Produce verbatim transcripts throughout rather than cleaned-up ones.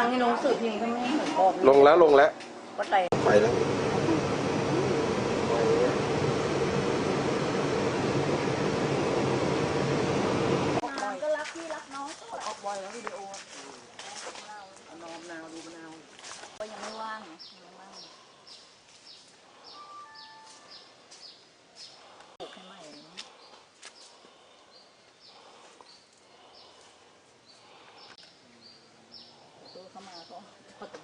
งนี่ลงสื่อพิมพ์ก็ไม่เหมือนบอกลงแล้วลงแล้วก็ไปไปแล้วก็รักพี่รักน้องก็ออกบ่อยแล้ววิดีโอมะนาวมะนาวดูมะนาวก็ยังไม่ว่างไงยังไม่ว่างปลูกให้ใหม่ตัวเข้ามาก็พอถึง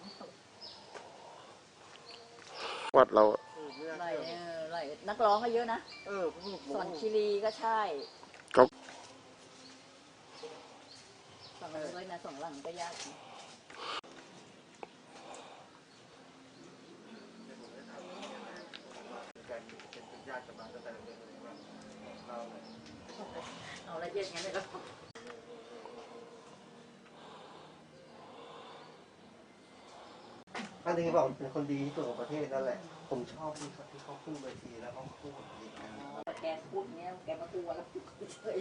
วัดเราไหลไหลนักร้องก็เยอะนะสอนคีรีก็ใช่สองหลังเลยนะสองหลังก็ยากเอาละเอียดงั้นเลยก็อันนี้บอกเป็นคนดีที่สุดของประเทศนั่นแหละผมชอบที่เขาที่เขาขึ้นเวทีแล้วเขาพูดดีกันแกพูดเนี้ยแกมาตัวแล้วเฉย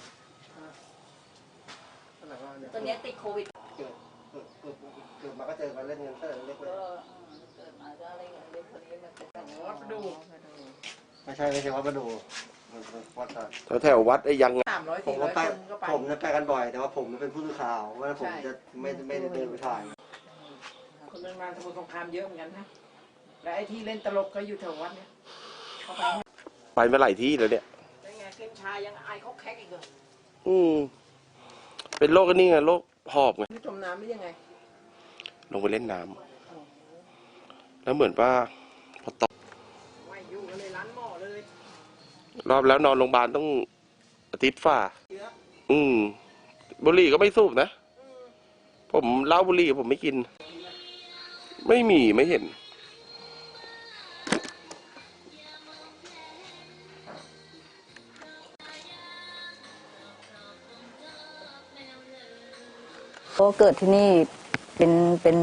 ตอนนี้ติดโควิดเกิดเกิดเกิดเกิดมาก็เจอมาเล่นเงินเต้นเล็กเลยเกิดมาก็อะไรเงี้ยเล็กคนนี้มาเป็นวัดดูไม่ใช่ไม่ใช่วัดประดูวัดแถวแถววัดไอ้ยังผมก็ไปผมจะไปกันบ่อยแต่ว่าผมเป็นผู้สื่อข่าวว่าผมจะไม่ไม่ได้เดินไปถ่ายคนเดินมาสมุทรสงครามเยอะเหมือนกันนะและไอ้ที่เล่นตลกก็อยู่แถววัดเนี่ยเขาไปไปมาหลายที่แล้วเนี่ยเป็นไงเกมชายังไอเขาแคกอีกเหรออืมเป็นโรคนี่ไงโรคหอบไงจมน้ำไม่ยังไงลงไปเล่นน้ำแล้วเหมือนว่าพอตกไม่อยู่กันเลยร้านหม้อเลยรอบแล้วนอนโรงพยาบาลต้องอาทิตย์ฝ่าอืมบุหรี่ก็ไม่สูบนะผมเหล้าบุหรี่ผมไม่กินไม่มีไม่เห็นก็เกิดที่นี่เป็นเป็น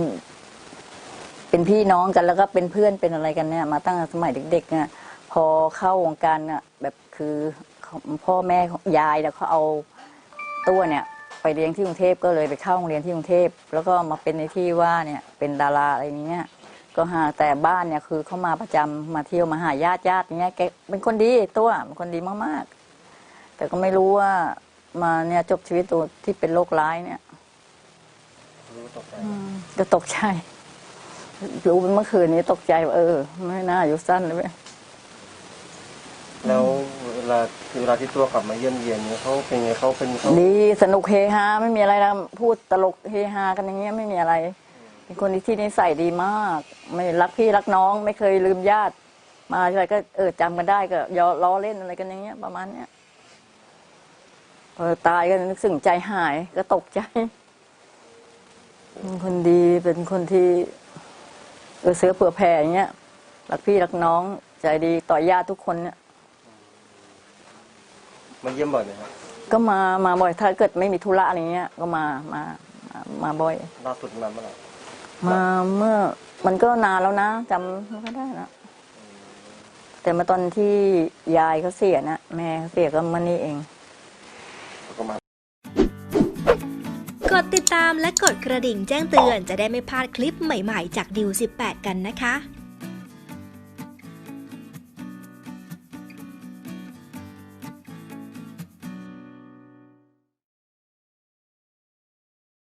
เป็นพี่น้องกันแล้วก็เป็นเพื่อนเป็นอะไรกันเนี่ยมาตั้งแต่สมัยเด็กๆเนี่ยพอเข้าวงการเนี่ยแบบคือพ่อแม่ยายแล้วเขาเอาตัวเนี่ยไปเรียนที่กรุงเทพก็เลยไปเข้าโรงเรียนที่กรุงเทพแล้วก็มาเป็นในที่ว่าเนี่ยเป็นดาราอะไรอย่างเงี้ยก็หาแต่บ้านเนี่ยคือเขามาประจำมาเที่ยวมาหาญาติญาติอย่างเงี้ยแกเป็นคนดีตัวเป็นคนดีมากๆแต่ก็ไม่รู้ว่ามาเนี่ยจบชีวิตตัวที่เป็นโรคร้ายเนี่ยก็ตกใจรู้เมื่อคืนนี้ตกใจว่าเออไม่น่าอายุสั้นเลยแล้วเวลาเวลาที่ตัวกลับมาเยี่ยมเยียนเนี่ยเขาเป็นไงเขาเป็นดีสนุกเฮฮาไม่มีอะไรนะพูดตลกเฮฮากันอย่างเงี้ยไม่มีอะไรเป็นคนที่นิสัยดีมากไม่รักพี่รักน้องไม่เคยลืมญาติมาอะไรก็เออจำกันได้ก็ยอล้อเล่นอะไรกันอย่างเงี้ยประมาณเนี้ยพอตายก็นึกสึ่งใจหายก็ตกใจเป็นคนดีเป็นคนที่เออเสือเผื่อแผ่อย่างเงี้ยรักพี่รักน้องใจดีต่อญาติทุกคนเนี่ยมาเยี่ยมบ่อยไหมครับก็มามาบ่อยถ้าเกิดไม่มีธุระอะไรเงี้ยก็มามามาบ่อยล่าสุดมาเมื่อไหร่มาเมื่อมันก็นานแล้วนะจำไม่ได้นะแต่มาตอนที่ยายเขาเสียนะแม่เขาเสียก็มานี่เองกดติดตามและกดกระดิ่งแจ้งเตือนจะได้ไม่พลาดคลิปใหม่ๆจากดิวสิบแปดกันนะคะ